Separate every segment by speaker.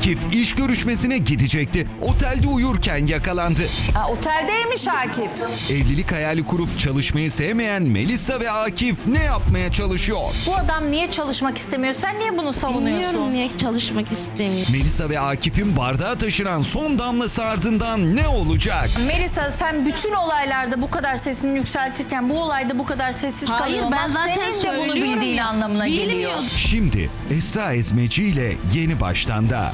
Speaker 1: Akif iş görüşmesine gidecekti. Otelde uyurken yakalandı.
Speaker 2: Oteldeymiş Akif.
Speaker 1: Evlilik hayali kurup çalışmayı sevmeyen Melisa ve Akif ne yapmaya çalışıyor?
Speaker 2: Bu adam niye çalışmak istemiyor? Sen niye bunu savunuyorsun?
Speaker 3: Bilmiyorum niye çalışmak istemiyor.
Speaker 1: Melisa ve Akif'in bardağa taşıran son damlası ardından ne olacak?
Speaker 2: Melisa, sen bütün olaylarda bu kadar sesini yükseltirken bu olayda bu kadar sessiz
Speaker 3: Hayır,
Speaker 2: kalıyor.
Speaker 3: ben zaten
Speaker 2: senin de bunu
Speaker 3: söylüyorum
Speaker 2: bildiğin
Speaker 3: ya.
Speaker 2: anlamına geliyor.
Speaker 3: Bilmiyorum.
Speaker 1: Şimdi Esra Ezmeci ile Yeni Baştan'da.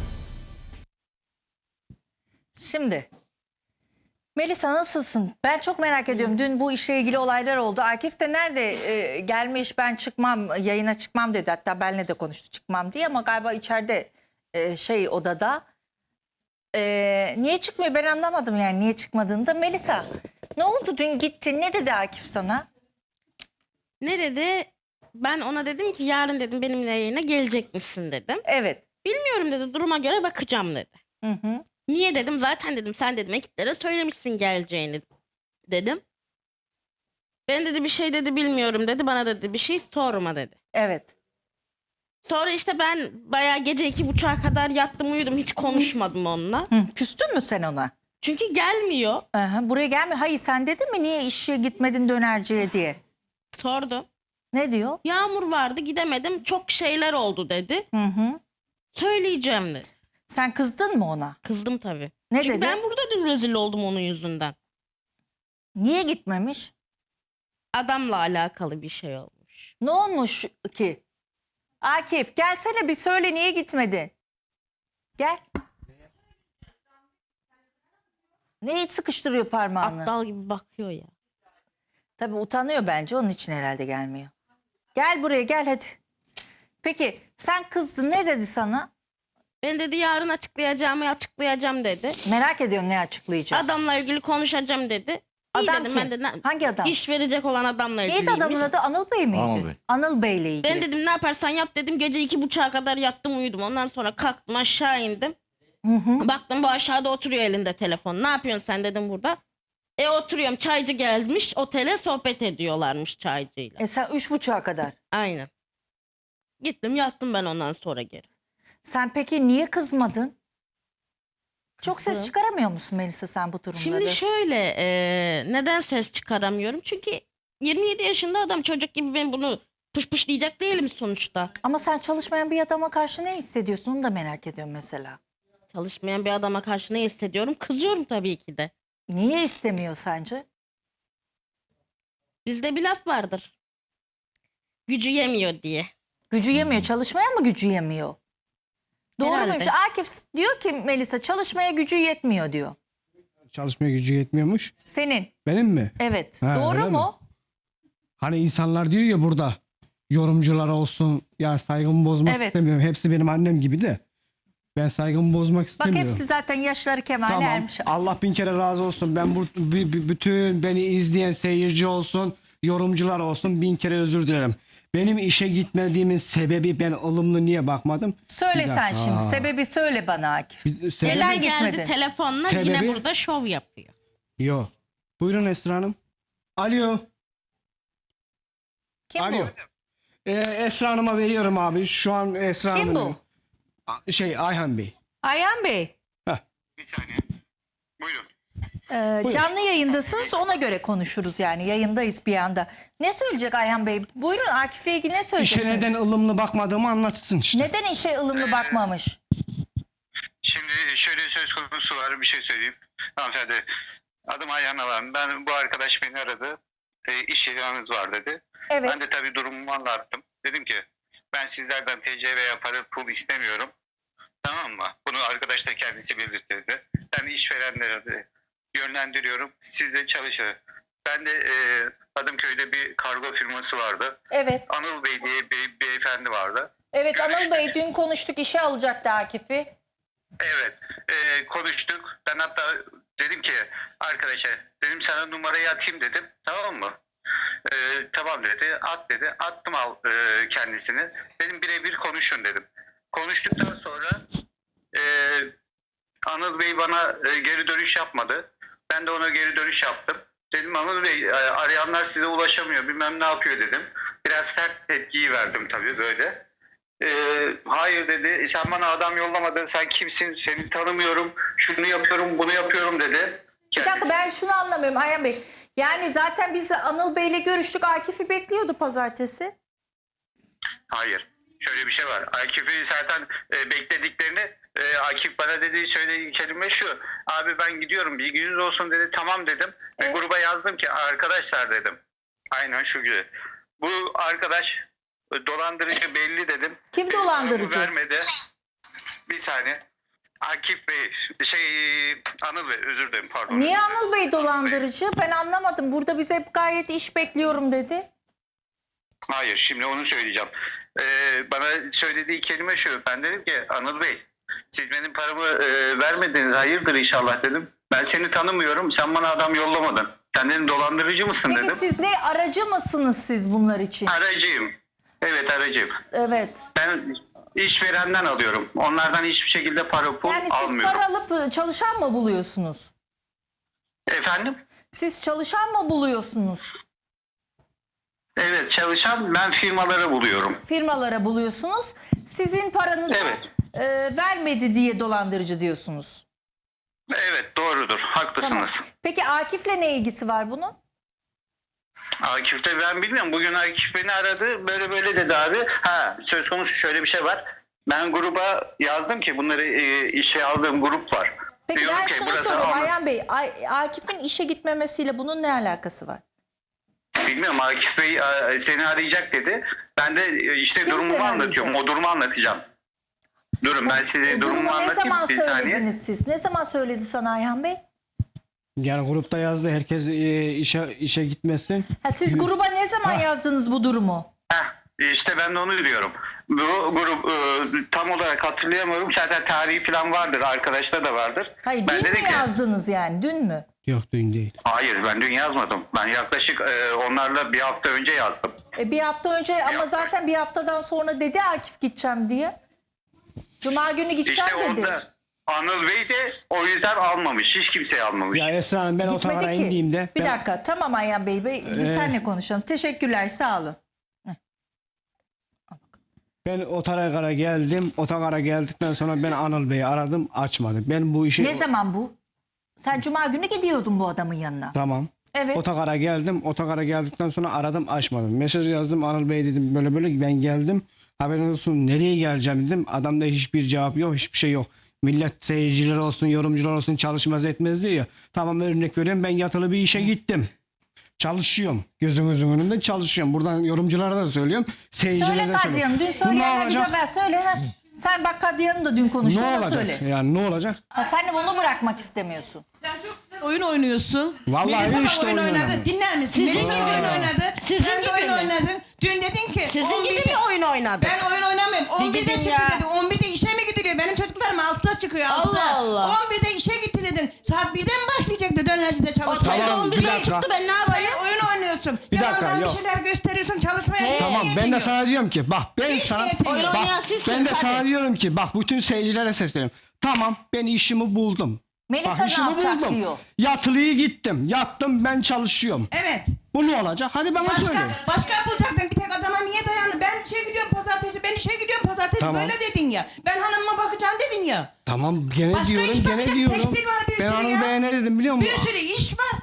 Speaker 2: Şimdi Melisa, nasılsın? Ben çok merak ediyorum. Dün bu işle ilgili olaylar oldu. Akif de nerede gelmiş, ben çıkmam, yayına çıkmam dedi. Hatta benimle de konuştu, çıkmam diye, ama galiba içeride odada. Niye çıkmıyor ben anlamadım, yani niye çıkmadığını da. Melisa, ne oldu dün, gittin, ne dedi Akif sana?
Speaker 3: Ne dedi? Ben ona dedim ki yarın dedim benimle yayına gelecek misin dedim.
Speaker 2: Evet.
Speaker 3: Bilmiyorum dedi, duruma göre bakacağım dedi.
Speaker 2: Hı hı.
Speaker 3: Niye dedim, zaten dedim sen dedim ekiplere söylemişsin geleceğini dedim. Ben dedi bir şey dedi bilmiyorum dedi, bana dedi bir şey sorma dedi.
Speaker 2: Evet.
Speaker 3: Sonra işte ben bayağı gece 2:30'a kadar yattım uyudum, hiç konuşmadım onunla.
Speaker 2: Hı, küstün mü sen ona?
Speaker 3: Çünkü gelmiyor.
Speaker 2: Aha, buraya gelme. Hayır, sen dedin mi niye işe gitmedin dönerciye diye?
Speaker 3: Sordum.
Speaker 2: Ne diyor?
Speaker 3: Yağmur vardı gidemedim, çok şeyler oldu dedi.
Speaker 2: Hı hı.
Speaker 3: Söyleyeceğim dedi.
Speaker 2: Sen kızdın mı ona?
Speaker 3: Kızdım tabii.
Speaker 2: Ne
Speaker 3: Çünkü
Speaker 2: dedi?
Speaker 3: ben burada dün rezil oldum onun yüzünden.
Speaker 2: Niye gitmemiş?
Speaker 3: Adamla alakalı bir şey olmuş.
Speaker 2: Ne olmuş ki? Akif, gelsene bir söyle, niye gitmedin? Gel. Neyi sıkıştırıyor parmağını?
Speaker 3: Aptal gibi bakıyor ya.
Speaker 2: Tabii utanıyor bence, onun için herhalde gelmiyor. Gel buraya, gel hadi. Peki sen kızdın, ne dedi sana?
Speaker 3: Ben dedi yarın açıklayacağım dedi.
Speaker 2: Merak ediyorum ne açıklayacak.
Speaker 3: Adamla ilgili konuşacağım dedi. İyi
Speaker 2: Adam
Speaker 3: dedim,
Speaker 2: kim?
Speaker 3: ben de
Speaker 2: Hangi adam?
Speaker 3: İş verecek olan adamla
Speaker 2: Neydi
Speaker 3: ilgiliymiş.
Speaker 2: adamın adı? Anıl Bey miydi?
Speaker 4: Anıl Bey.
Speaker 2: Anıl Bey'le ilgili.
Speaker 3: Ben dedim ne yaparsan yap dedim. Gece 2:30'a kadar yattım uyudum. Ondan sonra kalktım aşağı indim. Baktım bu aşağıda oturuyor elinde telefon. Ne yapıyorsun sen dedim burada. Oturuyorum, çaycı gelmiş otele, sohbet ediyorlarmış çaycıyla.
Speaker 2: Sen 3.30'a kadar.
Speaker 3: Aynen. Gittim yattım ben ondan sonra geri.
Speaker 2: Sen peki niye kızmadın? Çok ses
Speaker 3: Kızdım.
Speaker 2: çıkaramıyor musun Melisa sen bu durumları?
Speaker 3: Şimdi şöyle neden ses çıkaramıyorum? Çünkü 27 yaşında adam, çocuk gibi ben bunu pışpışlayacak değilim sonuçta.
Speaker 2: Ama sen çalışmayan bir adama karşı ne hissediyorsun, onu da merak ediyorum mesela.
Speaker 3: Çalışmayan bir adama karşı ne hissediyorum? Kızıyorum tabii ki de.
Speaker 2: Niye istemiyor sence?
Speaker 3: Bizde bir laf vardır. Gücü yemiyor diye.
Speaker 2: Gücü yemiyor. Çalışmaya mı gücü yemiyor? Doğru
Speaker 3: Herhalde.
Speaker 2: muymuş? Akif diyor ki Melisa çalışmaya gücü yetmiyor diyor.
Speaker 5: Çalışmaya gücü yetmiyormuş.
Speaker 2: Senin.
Speaker 5: Benim mi?
Speaker 2: Evet.
Speaker 5: Ha,
Speaker 2: Doğru
Speaker 5: öyle
Speaker 2: mu?
Speaker 5: Hani insanlar diyor ya burada yorumcular olsun ya, saygımı bozmak
Speaker 2: Evet.
Speaker 5: istemiyorum. Hepsi benim annem gibi de ben saygımı bozmak
Speaker 2: Bak
Speaker 5: istemiyorum.
Speaker 2: hepsi zaten yaşları kemale
Speaker 5: Tamam.
Speaker 2: ermiş.
Speaker 5: Allah bin kere razı olsun. Ben bütün beni izleyen seyirci olsun, yorumcular olsun, bin kere özür dilerim. Benim işe gitmediğimin sebebi, ben olumlu niye bakmadım?
Speaker 2: Söyle
Speaker 5: Bir
Speaker 2: sen
Speaker 5: dakika.
Speaker 2: şimdi. Sebebi söyle bana Akif.
Speaker 5: Sebebi-
Speaker 2: Neden
Speaker 3: Geldi
Speaker 2: gitmedin?
Speaker 3: telefonla yine
Speaker 5: Sebebi?
Speaker 3: burada şov yapıyor.
Speaker 5: Yok. Buyurun Esra Hanım. Alo.
Speaker 2: Kim
Speaker 5: Alo.
Speaker 2: bu?
Speaker 5: Esra Hanım'a veriyorum abi. Şu an Esra
Speaker 2: Kim
Speaker 5: Hanım'ın-
Speaker 2: bu?
Speaker 5: Ayhan Bey.
Speaker 2: Ayhan Bey.
Speaker 4: Bir saniye. Buyurun.
Speaker 2: Canlı yayındasınız, ona göre konuşuruz yani. Yayındayız bir anda. Ne söyleyecek Ayhan Bey? Buyurun, Akif'le ilgili ne
Speaker 5: İşe
Speaker 2: söyleyeceksiniz?
Speaker 5: neden ılımlı bakmadığımı anlatsın işte.
Speaker 2: Neden işe ılımlı bakmamış?
Speaker 4: Şimdi şöyle söz konusu var, bir şey söyleyeyim. Hanımefendi, adım Ayhan Alan. Ben, bu arkadaş beni aradı. İş ilanınız var dedi.
Speaker 2: Evet.
Speaker 4: Ben de tabii durumumu anlattım. Dedim ki ben sizlerden TC veya para pul istemiyorum. Tamam mı? Bunu arkadaş da kendisi belirtti. Ben işverenlere de yönlendiriyorum. Siz de çalışın. Ben de Adımköy'de bir kargo firması vardı.
Speaker 2: Evet.
Speaker 4: Anıl Bey diye bir beyefendi vardı.
Speaker 2: Evet, Anıl Bey dün konuştuk, işe alacaktı Akif'i.
Speaker 4: Evet, konuştuk. Ben hatta dedim ki arkadaşa, dedim sana numarayı atayım dedim, tamam mı? Tamam dedi, at dedi. Attım kendisini. Dedim birebir konuşun dedim. Konuştuktan sonra Anıl Bey bana geri dönüş yapmadı. Ben de ona geri dönüş yaptım. Dedim Anıl Bey, arayanlar size ulaşamıyor, bilmem ne yapıyor dedim. Biraz sert tepkiyi verdim tabii böyle. Hayır dedi. Sen bana adam yollamadın. Sen kimsin? Seni tanımıyorum. Şunu yapıyorum, bunu yapıyorum dedi.
Speaker 2: Bir dakika, ben şunu anlamıyorum Ayhan Bey. Yani zaten biz Anıl Bey'le görüştük. Akif'i bekliyordu pazartesi.
Speaker 4: Hayır. Şöyle bir şey var. Akif'i zaten beklediklerini Akif bana dediği söylediği kelime şu. Abi ben gidiyorum, bilginiz olsun dedi. Tamam dedim. Ve gruba yazdım ki arkadaşlar dedim. Aynen şu gibi. Bu arkadaş dolandırıcı belli dedim.
Speaker 2: Kim dolandırıcı?
Speaker 4: Paramı vermedi. Bir saniye. Akif Bey, Anıl Bey, özür dilerim, pardon.
Speaker 2: Niye Anıl Bey dolandırıcı? Ben anlamadım. Burada bize hep gayet iş bekliyorum dedi.
Speaker 4: Hayır, şimdi onu söyleyeceğim. Bana söylediği kelime şu. Ben dedim ki Anıl Bey, siz benim paramı vermediniz, hayırdır inşallah dedim. Ben seni tanımıyorum, sen bana adam yollamadın. Sen dedim dolandırıcı mısın
Speaker 2: Peki
Speaker 4: dedim.
Speaker 2: siz ne, aracı mısınız siz bunlar için?
Speaker 4: Aracıyım. Evet, aracıyım.
Speaker 2: Evet.
Speaker 4: Ben işverenden alıyorum. Onlardan hiçbir şekilde para pul
Speaker 2: Yani siz
Speaker 4: almıyorum.
Speaker 2: para alıp çalışan mı buluyorsunuz?
Speaker 4: Efendim?
Speaker 2: Siz çalışan mı buluyorsunuz?
Speaker 4: Evet, çalışan ben firmaları buluyorum.
Speaker 2: Firmalara buluyorsunuz. Sizin paranızı
Speaker 4: Evet.
Speaker 2: Vermedi diye dolandırıcı diyorsunuz.
Speaker 4: Evet, doğrudur. Haklısınız.
Speaker 2: Tamam. Peki Akif'le ne ilgisi var bunun?
Speaker 4: Akif'te ben bilmiyorum. Bugün Akif beni aradı. Böyle böyle dedi abi. Söz konusu şöyle bir şey var. Ben gruba yazdım ki bunları işe aldığım grup var.
Speaker 2: Peki
Speaker 4: Diyorum
Speaker 2: ben
Speaker 4: ki,
Speaker 2: şunu
Speaker 4: burası
Speaker 2: soruyorum
Speaker 4: Anıl.
Speaker 2: Ayhan Bey. Akif'in işe gitmemesiyle bunun ne alakası var?
Speaker 4: Bilmiyorum, Akif Bey seni arayacak dedi. Ben de işte
Speaker 2: Kim
Speaker 4: durumumu
Speaker 2: seni
Speaker 4: anlatıyorum.
Speaker 2: arayacak?
Speaker 4: O durumu anlatacağım. Durun ben size durumumu
Speaker 2: Durumu ne
Speaker 4: anlatayım
Speaker 2: zaman
Speaker 4: bir saniye.
Speaker 2: söylediniz siz? Ne zaman söyledi sana Ayhan Bey?
Speaker 5: Yani grupta yazdı herkes işe gitmesin.
Speaker 2: Siz gruba ne zaman yazdınız bu durumu?
Speaker 4: İşte ben de onu diyorum. Bu grup tam olarak hatırlayamıyorum. Zaten tarihi falan vardır. Arkadaşta da vardır.
Speaker 2: Hayır,
Speaker 4: Ben
Speaker 2: dün mü
Speaker 4: dedim ki,
Speaker 2: yazdınız yani? Dün mü?
Speaker 5: Yok dün değil.
Speaker 4: hayır ben dün yazmadım. Ben yaklaşık onlarla bir hafta önce yazdım.
Speaker 2: Bir hafta önce ama
Speaker 4: hafta.
Speaker 2: zaten bir haftadan sonra dedi Akif gideceğim diye. Cuma günü gideceğim
Speaker 4: İşte
Speaker 2: dedi.
Speaker 4: orada Anıl Bey de o yüzden almamış. Hiç kimseyi almamış.
Speaker 5: Ya Esra Hanım ben
Speaker 2: Gitmedi
Speaker 5: otogara
Speaker 2: ki.
Speaker 5: indiğimde
Speaker 2: Bir
Speaker 5: ben-
Speaker 2: dakika, tamam Ayhan Bey. Bir senle konuşalım. Teşekkürler, sağ olun.
Speaker 5: Ben otogara geldim. Otogara geldikten sonra ben Anıl Bey'i aradım, açmadı. Ben bu işi
Speaker 2: Ne zaman bu? Sen Cuma günü gidiyordun bu adamın yanına.
Speaker 5: Tamam.
Speaker 2: Evet.
Speaker 5: Otogara geldim. Otogara geldikten sonra aradım, açmadım. Mesaj yazdım, Anıl Bey dedim böyle böyle ben geldim. Haberin olsun, nereye geleceğim dedim. Adamda hiçbir cevap yok, hiçbir şey yok. Millet seyirciler olsun, yorumcular olsun çalışmaz etmez diyor ya. Tamam, örnek veriyorum, ben yatılı bir işe gittim. Çalışıyorum. Gözünüzün önünde çalışıyorum. Buradan yorumculara da söylüyorum. Seyircilere
Speaker 2: Söyle
Speaker 5: de söylüyorum.
Speaker 2: Kadriye Hanım. Dün
Speaker 5: Bu
Speaker 2: söyleyen
Speaker 5: ne
Speaker 2: bir
Speaker 5: olacak?
Speaker 2: cevap söyle. Ha. Sen bak Kadriye Hanım da dün konuştu.
Speaker 5: Ne
Speaker 2: Ona
Speaker 5: olacak?
Speaker 2: söyle.
Speaker 5: Yani ne olacak?
Speaker 2: Sen de bunu bırakmak istemiyorsun.
Speaker 6: Sen çok güzel oyun oynuyorsun.
Speaker 5: Vallahi
Speaker 6: Melisa da
Speaker 5: işte
Speaker 6: oyun
Speaker 5: oyun
Speaker 6: oynadı.
Speaker 5: oynadım.
Speaker 6: Dinler misin?
Speaker 3: Sizin
Speaker 6: Melisa da
Speaker 3: gibi
Speaker 6: oyun
Speaker 3: mi?
Speaker 6: oynadı.
Speaker 3: Sizin
Speaker 6: Sen de
Speaker 3: gibi
Speaker 6: oyun
Speaker 3: mi?
Speaker 6: oynadın. Dün dedin ki
Speaker 3: Sizin
Speaker 6: 11'de
Speaker 3: gibi mi oyun oynadı?
Speaker 6: Ben oyun oynamıyorum. 11'de
Speaker 3: gidin
Speaker 6: çıktı
Speaker 3: ya.
Speaker 6: dedi. 11'de işe mi gidiliyor? Benim çocuklarım 6'da çıkıyor. 6'da.
Speaker 3: Allah Allah.
Speaker 6: 11'de işe gitti dedin. Saat 1'de mi başlayacaktı dönercide çalışmaya?
Speaker 3: Tamam,
Speaker 5: Tamam, bir
Speaker 3: 11'de
Speaker 5: dakika.
Speaker 3: çıktı, ben ne
Speaker 6: Sen
Speaker 3: yapayım?
Speaker 6: oyun oynuyorsun.
Speaker 5: Bir dakika,
Speaker 6: Yalandan
Speaker 5: yok.
Speaker 6: bir şeyler gösteriyorsun çalışmaya. niye
Speaker 5: Tamam,
Speaker 6: niyetin
Speaker 5: ben de
Speaker 6: yok?
Speaker 5: sana diyorum ki bak ben
Speaker 6: Hiç
Speaker 5: sana
Speaker 6: niyetin yok.
Speaker 3: Oyun
Speaker 5: bak,
Speaker 3: oynayan sizsiniz,
Speaker 5: ben de
Speaker 3: hadi.
Speaker 5: sana diyorum ki bak bütün seyircilere sesleniyorum. Tamam, ben işimi buldum.
Speaker 2: Melisa
Speaker 5: Bak,
Speaker 2: ne
Speaker 5: işimi
Speaker 2: yapacak diyor.
Speaker 5: Yatılıyı gittim. Yattım, ben çalışıyorum.
Speaker 6: Evet.
Speaker 5: Bu ne olacak? Hadi bana söyle.
Speaker 6: Başka bulacaktın, bir tek adama niye dayandı? Ben işe gidiyorum pazartesi, ben işe gidiyorum pazartesi,
Speaker 5: Tamam.
Speaker 6: böyle dedin ya. Ben hanımıma bakacağım dedin ya.
Speaker 5: Tamam, gene
Speaker 6: Başka
Speaker 5: diyorum,
Speaker 6: iş
Speaker 5: gene
Speaker 6: bakacak,
Speaker 5: diyorum.
Speaker 6: tekstil var bir
Speaker 5: Ben
Speaker 6: sürü
Speaker 5: Anıl
Speaker 6: ya.
Speaker 5: Bey'e ne dedim biliyor musun?
Speaker 6: Bir sürü iş var.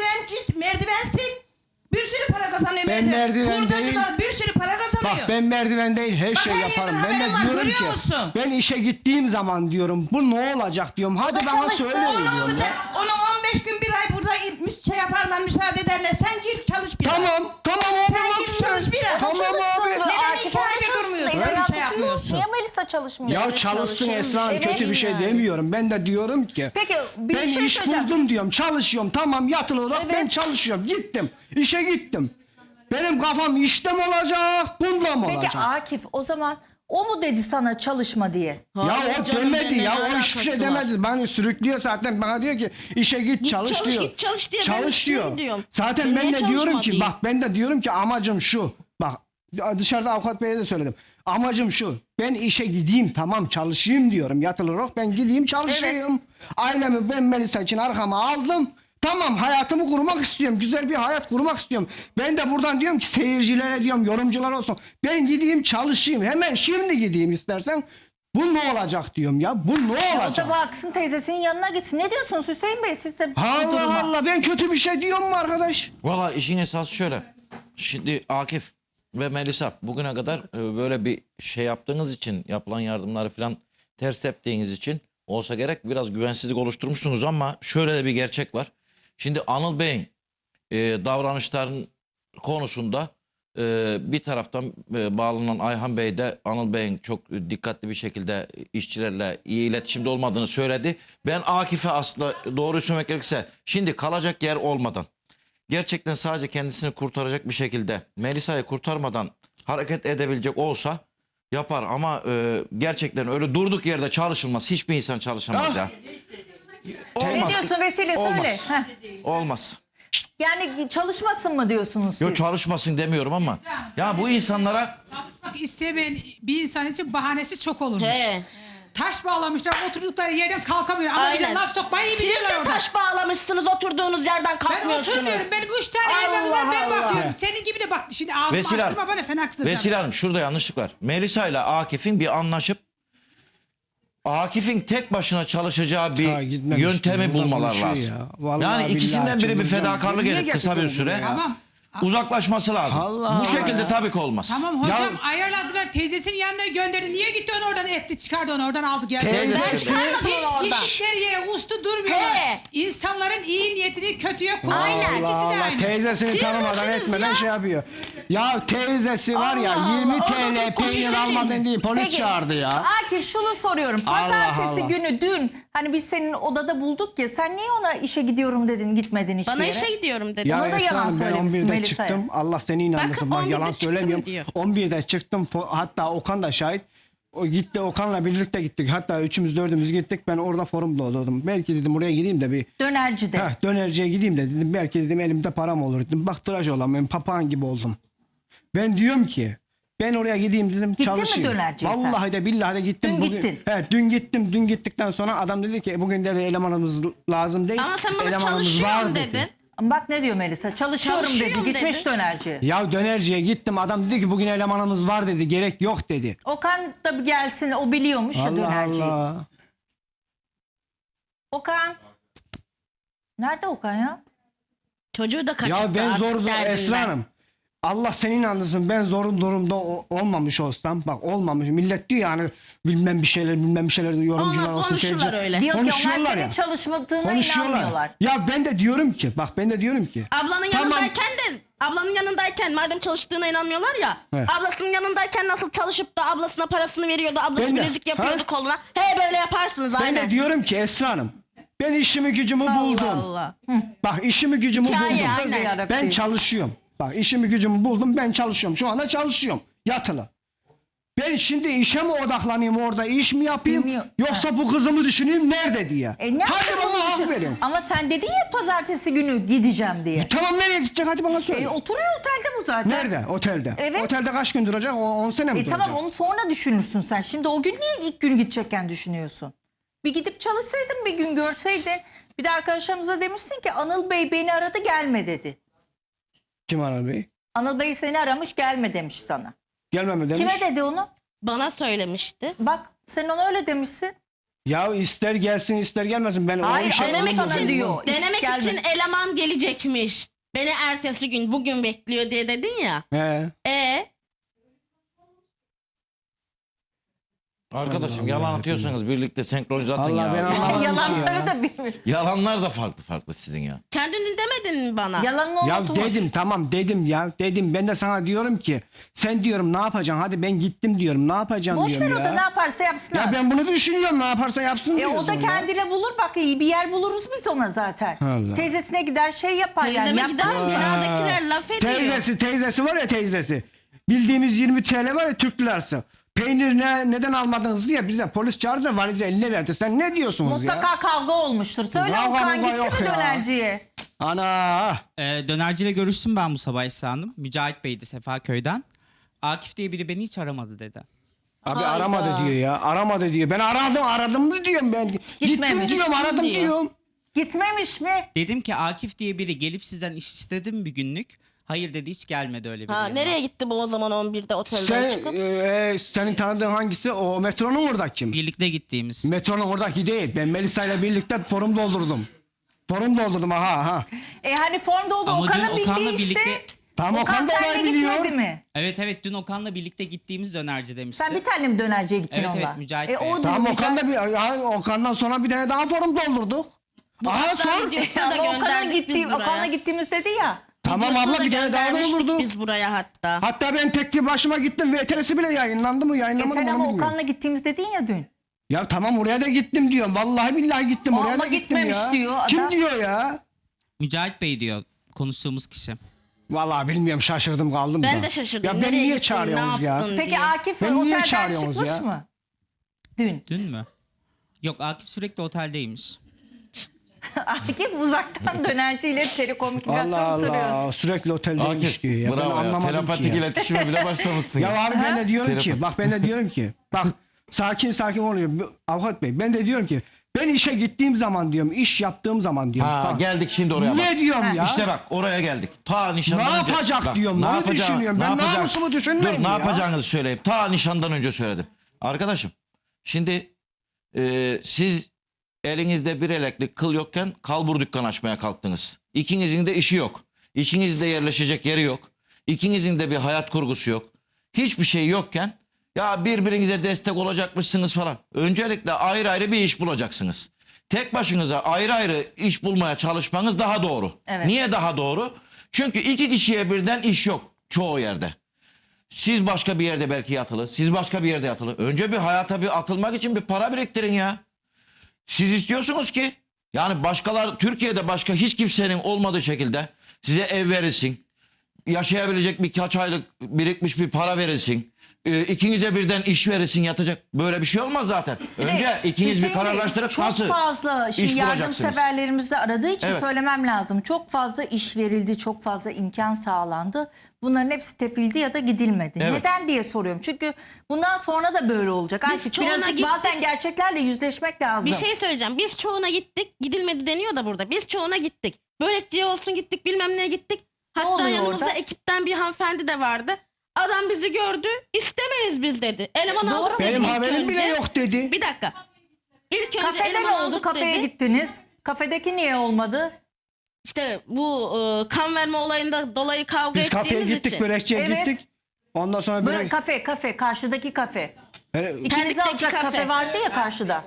Speaker 6: Merdivensin. Bir sürü para kazanıyor
Speaker 5: Ben merdiven
Speaker 6: Hurdacılar bir sürü para kazanıyor.
Speaker 5: Bak ben merdiven değil her
Speaker 6: Bak,
Speaker 5: şey
Speaker 6: her
Speaker 5: yaparım.
Speaker 6: yerden
Speaker 5: Ben de
Speaker 6: haberim var,
Speaker 5: diyorum
Speaker 6: görüyor
Speaker 5: ki
Speaker 6: musun?
Speaker 5: ben işe gittiğim zaman diyorum bu ne olacak diyorum. Hadi
Speaker 2: da
Speaker 5: bana
Speaker 2: çalışsın.
Speaker 5: söyle
Speaker 6: O ne
Speaker 5: diyorum
Speaker 6: olacak?
Speaker 5: ya.
Speaker 6: Ona 15 gün bir ay burada şey yaparlar, müsaade ederler. Sen gir çalış bir ay.
Speaker 5: Tamam abi.
Speaker 6: Sen
Speaker 5: bak
Speaker 6: git
Speaker 5: sen.
Speaker 6: çalış bir ay.
Speaker 5: Tamam
Speaker 2: Çalışsın.
Speaker 5: abi.
Speaker 6: Neden
Speaker 2: Akif
Speaker 6: iki ayda
Speaker 2: orada çalışsın.
Speaker 6: durmuyorsun?
Speaker 2: Evren
Speaker 6: Öyle bir şey
Speaker 2: tutuyor.
Speaker 6: yapmıyorsun.
Speaker 2: Niye Melisa çalışmıyor?
Speaker 5: Ya
Speaker 2: Evet,
Speaker 5: çalışsın
Speaker 2: çalışıyor.
Speaker 5: Esra Hanım, kötü bir şey
Speaker 2: yani.
Speaker 5: demiyorum. Ben de diyorum ki
Speaker 2: Peki bir
Speaker 5: ben
Speaker 2: şey
Speaker 5: iş
Speaker 2: söyleyeceğim.
Speaker 5: buldum diyorum, çalışıyorum. Tamam, yatılı olarak
Speaker 2: Evet.
Speaker 5: ben çalışıyorum. Gittim. İşe gittim. Benim kafam işte mi olacak, bunda mı
Speaker 2: Peki
Speaker 5: olacak?
Speaker 2: Akif o zaman o mu dedi sana çalışma diye?
Speaker 5: Ya
Speaker 3: Hayır
Speaker 5: o
Speaker 3: canım,
Speaker 5: demedi
Speaker 3: benimle
Speaker 5: ya,
Speaker 3: ne
Speaker 5: o hiçbir şey
Speaker 3: alakası var?
Speaker 5: demedi. Bana sürüklüyor zaten, bana diyor ki işe git çalış
Speaker 3: çalış,
Speaker 5: diyor.
Speaker 3: git çalış diye ben
Speaker 5: Çalış
Speaker 3: işe
Speaker 5: diyor.
Speaker 3: gidiyorum.
Speaker 5: Zaten
Speaker 3: Ben
Speaker 5: ben
Speaker 3: niye
Speaker 5: de diyorum
Speaker 3: çalışma
Speaker 5: ki
Speaker 3: diyeyim?
Speaker 5: bak ben de diyorum ki amacım şu. Bak dışarıda avukat beye de söyledim. Amacım şu. Ben işe gideyim, tamam çalışayım diyorum. Yatılı olarak ben gideyim çalışayım. Ailemi ben Melisa için arkama aldım. Tamam, hayatımı kurmak istiyorum. Güzel bir hayat kurmak istiyorum. Ben de buradan diyorum ki seyircilere diyorum, yorumcular olsun. Ben gideyim çalışayım. Hemen şimdi gideyim istersen. Bu ne olacak diyorum ya. Bu ne
Speaker 2: O da
Speaker 5: olacak?
Speaker 2: baksın teyzesinin yanına gitsin. Ne diyorsunuz Hüseyin Bey siz de bu
Speaker 5: Allah
Speaker 2: duruma?
Speaker 5: Allah, ben kötü bir şey diyorum mu arkadaş?
Speaker 7: Valla işin esası şöyle. Şimdi Akif ve Melisa bugüne kadar böyle bir şey yaptığınız için, yapılan yardımları falan ters teptiğiniz için olsa gerek biraz güvensizlik oluşturmuşsunuz ama şöyle de bir gerçek var. Şimdi Anıl Bey'in davranışların konusunda bir taraftan bağlanan Ayhan Bey de Anıl Bey'in çok dikkatli bir şekilde işçilerle iyi iletişimde olmadığını söyledi. Ben Akif'e aslında doğruyu söylemek gerekirse şimdi kalacak yer olmadan gerçekten sadece kendisini kurtaracak bir şekilde Melisa'yı kurtarmadan hareket edebilecek olsa yapar ama gerçekten öyle durduk yerde çalışılmaz. Hiçbir insan çalışamaz
Speaker 5: Ah!
Speaker 7: ya.
Speaker 2: Ne diyorsun Vesile söyle.
Speaker 7: Olmaz.
Speaker 2: Heh.
Speaker 7: Olmaz.
Speaker 2: Yani çalışmasın mı diyorsunuz siz?
Speaker 7: Yok çalışmasın demiyorum ama ya bu insanlara
Speaker 8: Bak istemeyen bir insan için bahanesi çok olurmuş.
Speaker 3: He.
Speaker 8: Taş bağlamışlar, oturdukları yerden kalkamıyor. Ama bize
Speaker 3: Aynen.
Speaker 8: laf sokmayı iyi
Speaker 3: Siz
Speaker 8: biliyorlar
Speaker 3: de
Speaker 8: orada.
Speaker 3: taş bağlamışsınız oturduğunuz yerden
Speaker 8: Ben
Speaker 3: kalkmıyorsunuz.
Speaker 8: oturmuyorum. Benim 3 tane evladım var, ben
Speaker 5: Allah.
Speaker 8: bakıyorum. Senin gibi de bak şimdi ağzımı
Speaker 7: Vesile
Speaker 8: açtırma
Speaker 7: Hanım,
Speaker 8: bana fena kızacağım.
Speaker 7: Vesile Hanım şurada yanlışlık var. Melisa ile Akif'in bir anlaşıp Akif'in tek başına çalışacağı bir
Speaker 5: Ha, gitmemiş.
Speaker 7: yöntemi
Speaker 5: Burada
Speaker 7: bulmalar
Speaker 5: konuşuyor
Speaker 7: lazım.
Speaker 5: ya. Vallahi
Speaker 7: Yani ikisinden
Speaker 5: billahi
Speaker 7: biri bir
Speaker 5: çıldıracağım.
Speaker 7: fedakarlık
Speaker 5: Niye
Speaker 7: edip kısa bir
Speaker 5: getirdin
Speaker 7: süre
Speaker 5: bunu ya?
Speaker 8: Tamam.
Speaker 7: uzaklaşması lazım.
Speaker 5: Allah
Speaker 7: Bu şekilde tabii ki olmaz.
Speaker 8: Tamam hocam ayarladılar, teyzesinin yanına gönderdi. Niye gitti onu oradan etti, çıkardı onu oradan aldı geldi.
Speaker 5: Teyzesi-
Speaker 3: Ben çıkarmadım onu
Speaker 8: Hiç
Speaker 3: oradan.
Speaker 8: gittikleri yere ustu durmuyorlar.
Speaker 3: He.
Speaker 8: İnsanların iyi niyetini kötüye kullanıyor.
Speaker 3: Aynen.
Speaker 8: İkisi de
Speaker 5: Allah
Speaker 8: aynı.
Speaker 5: teyzesini
Speaker 3: Siz
Speaker 5: tanımadan
Speaker 3: misiniz
Speaker 5: etmeden
Speaker 3: ya?
Speaker 5: şey yapıyor. Ya teyzesi var ya
Speaker 3: Allah
Speaker 5: 20
Speaker 3: Allah,
Speaker 5: TL
Speaker 3: orada
Speaker 5: peynir
Speaker 8: bir
Speaker 5: almadın diye polis
Speaker 2: Peki,
Speaker 5: çağırdı ya.
Speaker 2: Akif şunu soruyorum.
Speaker 5: Allah
Speaker 2: Pazartesi
Speaker 5: Allah.
Speaker 2: günü dün hani biz senin odada bulduk ya sen niye ona işe gidiyorum dedin gitmedin hiçbir
Speaker 3: Bana
Speaker 2: yere?
Speaker 3: işe gidiyorum dedi.
Speaker 2: Ona da
Speaker 5: Esra
Speaker 2: yalan
Speaker 5: Hanım, ben
Speaker 2: söylemişsin
Speaker 5: 11'de
Speaker 2: Melisa'ya.
Speaker 5: çıktım. Allah seni inandırsın.
Speaker 3: Bakın,
Speaker 5: Bak
Speaker 3: 11'de
Speaker 5: yalan
Speaker 3: çıktım
Speaker 5: söylemiyorum.
Speaker 3: diyor.
Speaker 5: 11'de çıktım. Hatta Okan da şahit. O gitti, Okan'la birlikte gittik. Hatta üçümüz dördümüz gittik. Ben orada forumda oluyordum. Belki dedim oraya gideyim de bir
Speaker 2: Dönercide.
Speaker 5: dönerciye gideyim de dedim. Belki dedim elimde param olur dedim. Bak tıraş olamıyorum. Papağan gibi oldum. Ben diyorum ki ben oraya gideyim dedim,
Speaker 2: Gittin mi
Speaker 5: çalışayım.
Speaker 2: dönerciye sen?
Speaker 5: Vallahi de billahi de gittim.
Speaker 2: Dün gittin.
Speaker 5: Evet, dün gittim. Dün gittikten sonra adam dedi ki bugün de elemanımız lazım değil.
Speaker 3: Ama sen bana
Speaker 5: elemanımız var
Speaker 3: çalışıyorum
Speaker 5: dedi.
Speaker 3: dedin.
Speaker 2: Ama bak ne diyor Melisa? Çalışıyorum dedi.
Speaker 3: Çalışıyorum
Speaker 2: Gitmiş
Speaker 3: dedi.
Speaker 2: dönerciye.
Speaker 5: Ya dönerciye gittim, adam dedi ki bugün elemanımız var dedi, gerek yok dedi.
Speaker 2: Okan da bir gelsin o biliyormuş ya
Speaker 5: Allah
Speaker 2: dönerciyi.
Speaker 5: Allah.
Speaker 2: Okan. Nerede Okan ya?
Speaker 3: Çocuğu da kaçırdı
Speaker 5: Ya ben
Speaker 3: artık
Speaker 5: zor
Speaker 3: derdinden.
Speaker 5: Esra Hanım. Allah senin anlasın, ben zorun durumda olmamış olsam, bak olmamış, millet diyor yani bilmem bir şeyler yorumcular
Speaker 3: Onlar
Speaker 5: olsun.
Speaker 3: konuşurlar öyle.
Speaker 2: Diyor ki onlar
Speaker 5: Konuşuyorlar
Speaker 2: senin
Speaker 5: ya.
Speaker 2: çalışmadığına
Speaker 5: Konuşuyorlar.
Speaker 2: inanmıyorlar.
Speaker 5: Ya ben de diyorum ki, bak ben de diyorum ki.
Speaker 3: Ablanın
Speaker 5: Tamam.
Speaker 3: yanındayken de ablanın yanındayken madem çalıştığına inanmıyorlar ya.
Speaker 5: Evet.
Speaker 3: Ablasının yanındayken nasıl çalışıp da ablasına parasını veriyordu. Ablası
Speaker 5: Ben de.
Speaker 3: bilezik yapıyordu
Speaker 5: Ha?
Speaker 3: koluna. He böyle yaparsınız
Speaker 5: Ben
Speaker 3: aynen.
Speaker 5: de diyorum ki Esra Hanım, ben işimi gücümü buldum.
Speaker 3: Allah.
Speaker 5: Bak işimi gücümü
Speaker 3: Hikaye,
Speaker 5: buldum.
Speaker 3: aynen.
Speaker 2: Yarabbim.
Speaker 5: Ben çalışıyorum. Bak işimi gücümü buldum, ben çalışıyorum. Şu anda çalışıyorum yatılı. Ben şimdi işe mi odaklanayım, orada iş mi yapayım,
Speaker 2: Bilmiyorum.
Speaker 5: yoksa bu kızımı düşüneyim nerede diye.
Speaker 2: Ne
Speaker 5: Hadi
Speaker 2: yapayım onu
Speaker 5: bana hak
Speaker 2: düşün-
Speaker 5: verin.
Speaker 2: Ama sen dedin ya pazartesi günü gideceğim diye.
Speaker 5: Tamam, nereye gidecek, hadi bana söyle.
Speaker 2: Oturuyor otelde bu zaten.
Speaker 5: Nerede? Otelde.
Speaker 2: Evet.
Speaker 5: Otelde kaç gün duracak? 10 sene mi duracak?
Speaker 2: Tamam onu sonra düşünürsün sen. Şimdi o gün niye ilk gün gidecekken düşünüyorsun? Bir gidip çalışsaydın, bir gün görseydin. Bir de arkadaşlarımıza demişsin ki Anıl Bey beni aradı gelme dedi.
Speaker 5: Kim Anıl Bey?
Speaker 2: Anıl Bey seni aramış gelme demiş sana.
Speaker 5: Gelmeme demiş.
Speaker 2: Kime dedi onu?
Speaker 3: Bana söylemişti.
Speaker 2: Bak sen ona öyle demişsin.
Speaker 5: Ya ister gelsin ister gelmesin. Ben
Speaker 2: Hayır,
Speaker 5: o işe
Speaker 2: denemek
Speaker 5: olmam.
Speaker 2: için diyor.
Speaker 3: Denemek
Speaker 2: Gelme.
Speaker 3: için eleman gelecekmiş. Beni ertesi gün bugün bekliyor diye dedin ya.
Speaker 5: He.
Speaker 7: Arkadaşım yalan atıyorsanız birlikte senkronize atın
Speaker 5: Allah ben
Speaker 7: ya.
Speaker 5: anlamadım ki
Speaker 2: Yalanları
Speaker 5: ya.
Speaker 2: da bilmiyorum.
Speaker 7: Yalanlar da farklı sizin ya.
Speaker 3: Kendini demedin mi bana?
Speaker 2: Yalanını
Speaker 5: Ya
Speaker 2: unutmuş.
Speaker 5: dedim, tamam dedim ya. Dedim, ben de sana diyorum ki sen diyorum ne yapacaksın? Hadi ben gittim diyorum. Ne yapacağım
Speaker 2: Boş ver
Speaker 5: diyorum
Speaker 2: o
Speaker 5: ya.
Speaker 2: da ne yaparsa yapsın.
Speaker 5: Ya
Speaker 2: artık.
Speaker 5: ben bunu düşünüyorum, ne yaparsa yapsın
Speaker 2: O
Speaker 5: diyorsun
Speaker 2: da
Speaker 5: ya.
Speaker 2: kendine bulur bak iyi bir yer buluruz biz ona zaten.
Speaker 5: Allah.
Speaker 2: Teyzesine gider şey yapar yani.
Speaker 3: Teyzeme
Speaker 2: Yapmaz
Speaker 3: gider
Speaker 2: mı?
Speaker 3: binadakiler laf ediyor.
Speaker 5: Teyzesi var ya, teyzesi. Bildiğimiz 20 TL var ya, Türk lirası. Peynir neden almadınız diye bize polis çağırdı da valizi eline verdi. Sen ne diyorsunuz
Speaker 2: Mutlaka
Speaker 5: ya?
Speaker 2: kavga olmuştur. Söyle
Speaker 5: Kavga
Speaker 2: Okan
Speaker 5: mavga
Speaker 2: gitti
Speaker 5: yok
Speaker 2: mi
Speaker 5: ya.
Speaker 2: dönerciye?
Speaker 5: Ana.
Speaker 9: Dönerciyle görüştüm ben bu sabah Esra Hanım. Mücahit Bey'di Sefaköy'den. Akif diye biri beni hiç aramadı dedi.
Speaker 5: Abi
Speaker 2: Hayda.
Speaker 5: aramadı diyor ya. Aramadı diyor. Ben aradım mı diyorum ben. Gittim
Speaker 2: Gitmemiş.
Speaker 5: diyorum, aradım
Speaker 3: diyor.
Speaker 5: diyorum.
Speaker 2: Gitmemiş mi?
Speaker 9: Dedim ki Akif diye biri gelip sizden iş istedi mi bir günlük? Hayır dedi, hiç gelmedi öyle biri.
Speaker 3: Ha,
Speaker 9: yanıma.
Speaker 3: nereye gitti bu o zaman 11'de otelden çıkıp?
Speaker 5: Senin tanıdığın hangisi? O metronun oradaki mi?
Speaker 9: Birlikte gittiğimiz.
Speaker 5: Metronun oradaki değil. Ben Melisa ile birlikte forum doldurdum. Forum doldurdum aha.
Speaker 2: Hani formda oldu.
Speaker 9: Ama
Speaker 2: Okan'ın
Speaker 9: dün
Speaker 2: bildiği
Speaker 9: Okan'la
Speaker 2: işte.
Speaker 9: birlikte-
Speaker 5: Tamam, Okan da
Speaker 2: seninle
Speaker 5: olay biliyor.
Speaker 2: gitmedi mi?
Speaker 9: Evet dün Okan'la birlikte gittiğimiz dönerci demişti.
Speaker 2: Sen bir tane mi dönerciye gittin
Speaker 9: Evet,
Speaker 2: onunla?
Speaker 9: evet, Mücahit Bey.
Speaker 2: O
Speaker 5: Tamam,
Speaker 2: Mücahit-
Speaker 5: Okan'dan sonra bir tane daha forum doldurduk. Aha
Speaker 3: Hatta
Speaker 5: sor.
Speaker 3: videosunu da
Speaker 2: Ama
Speaker 3: gönderdik biz buraya.
Speaker 2: Okan'la gittiğimiz dedi ya.
Speaker 5: Tamam
Speaker 3: Videosunu
Speaker 5: abla,
Speaker 3: da
Speaker 5: bir tane daha
Speaker 3: göndermiştik
Speaker 5: doldurduk.
Speaker 3: biz buraya hatta.
Speaker 5: Hatta ben tek başıma gittim. VTR'si bile yayınlandı mı? Yayınlamadı
Speaker 2: Sen
Speaker 5: mı?
Speaker 2: ama
Speaker 5: onu bilmiyorum.
Speaker 2: Okan'la gittiğimiz dedin ya dün.
Speaker 5: Ya tamam, oraya da gittim diyorum. Vallahi billahi gittim. Oraya
Speaker 2: Ama
Speaker 5: da gittim
Speaker 2: gitmemiş
Speaker 5: ya.
Speaker 2: diyor adam.
Speaker 5: Kim diyor ya?
Speaker 9: Mücahit Bey diyor konuştuğumuz kişi.
Speaker 5: Vallahi bilmiyorum, şaşırdım kaldım da.
Speaker 3: Ben de şaşırdım.
Speaker 5: Ya beni
Speaker 3: Nereye
Speaker 5: niye
Speaker 3: gittin,
Speaker 5: çağırıyorsunuz
Speaker 3: ne
Speaker 5: ya?
Speaker 3: yaptın
Speaker 2: Peki
Speaker 3: diye.
Speaker 2: Akif
Speaker 5: Beni niye
Speaker 2: otelden
Speaker 5: çağırıyorsunuz
Speaker 2: çıkmış
Speaker 5: ya?
Speaker 2: mı? Dün.
Speaker 9: Dün mü? Yok, Akif sürekli oteldeymiş.
Speaker 2: Akif uzaktan dönerciyle telekomünikasyon
Speaker 5: Allah
Speaker 2: sürüyor.
Speaker 5: Allah, sürekli oteldeymiş diyor ya. Ben
Speaker 7: bravo ya.
Speaker 5: anlamadım ki
Speaker 7: Telepatik
Speaker 5: ya.
Speaker 7: iletişime bile başlamışsın ya.
Speaker 5: Ya abi ben de diyorum ki, bak ben de diyorum ki, bak sakin oluyor avukat bey. Ben de diyorum ki, ben işe gittiğim zaman diyorum, iş yaptığım zaman diyorum.
Speaker 7: Ha,
Speaker 5: bak,
Speaker 7: geldik şimdi oraya bak.
Speaker 5: ne diyorum ya?
Speaker 7: İşte bak oraya geldik. Ta nişandan
Speaker 5: Ne
Speaker 7: önce.
Speaker 5: yapacak
Speaker 7: Bak,
Speaker 5: diyorum, onu
Speaker 7: yapacağı-
Speaker 5: düşünüyorum. Ben
Speaker 7: yapacak-
Speaker 5: namusumu düşünmeyeyim
Speaker 7: Dur, ne
Speaker 5: ya.
Speaker 7: yapacağınızı söyleyeyim. Ta nişandan önce söyledim. Arkadaşım şimdi siz elinizde bir eleklik kıl yokken kalbur dükkan açmaya kalktınız. İkinizin de işi yok. İçinizde yerleşecek yeri yok. İkinizin de bir hayat kurgusu yok. Hiçbir şey yokken ya birbirinize destek olacakmışsınız falan. Öncelikle ayrı ayrı bir iş bulacaksınız. Tek başınıza ayrı ayrı iş bulmaya çalışmanız daha doğru.
Speaker 2: Evet.
Speaker 7: Niye daha doğru? Çünkü iki kişiye birden iş yok çoğu yerde. Siz başka bir yerde belki yatılı, siz başka bir yerde yatılı. Önce bir hayata bir atılmak için bir para biriktirin ya. Siz istiyorsunuz ki yani başkalar, Türkiye'de başka hiç kimsenin olmadığı şekilde size ev verilsin. Yaşayabilecek birkaç aylık birikmiş bir para verilsin. İkinize birden iş verilsin, yatacak. Böyle bir şey olmaz zaten. Önce ikiniz bir
Speaker 2: Hüseyin Bey,
Speaker 7: kararlaştırıp
Speaker 2: çok
Speaker 7: nasıl
Speaker 2: fazla şimdi
Speaker 7: iş bulacaksınız?
Speaker 2: yardımseverlerimiz de aradığı için
Speaker 7: Evet.
Speaker 2: söylemem lazım. Çok fazla iş verildi, çok fazla imkan sağlandı. Bunların hepsi tepildi ya da gidilmedi.
Speaker 7: Evet.
Speaker 2: Neden diye soruyorum. Çünkü bundan sonra da böyle olacak.
Speaker 3: Biz
Speaker 2: Akif,
Speaker 3: çoğuna
Speaker 2: birazcık
Speaker 3: gittik.
Speaker 2: bazen gerçeklerle yüzleşmek lazım.
Speaker 3: Bir şey söyleyeceğim. Biz çoğuna gittik. Gidilmedi deniyor da burada. Biz çoğuna gittik. Börekçiye olsun gittik, bilmem neye gittik. Hatta
Speaker 2: oluyor
Speaker 3: yanımızda
Speaker 2: orada?
Speaker 3: ekipten bir hanımefendi de vardı. Adam bizi gördü. İstemeyiz biz dedi. Eleman
Speaker 2: Doğru
Speaker 3: aldık
Speaker 2: mu?
Speaker 3: dedi
Speaker 5: Benim
Speaker 3: ilk
Speaker 5: haberim bile
Speaker 3: önce.
Speaker 5: yok dedi.
Speaker 3: Bir dakika. İlk önce
Speaker 2: Kafede
Speaker 3: eleman
Speaker 2: ne oldu?
Speaker 3: aldık
Speaker 2: Kafeye
Speaker 3: dedi.
Speaker 2: gittiniz. Kafedeki niye olmadı?
Speaker 3: İşte bu kan verme olayında dolayı kavga
Speaker 5: Biz kafeye
Speaker 3: ettiğimiz
Speaker 5: gittik,
Speaker 3: için.
Speaker 5: börekçiye
Speaker 2: Evet.
Speaker 5: gittik. Ondan sonra
Speaker 2: Böyle
Speaker 5: börek...
Speaker 2: kafe, karşıdaki kafe. İkinizi
Speaker 3: Pendikteki
Speaker 2: alacak kafe
Speaker 3: kafe.
Speaker 2: vardı ya karşıda.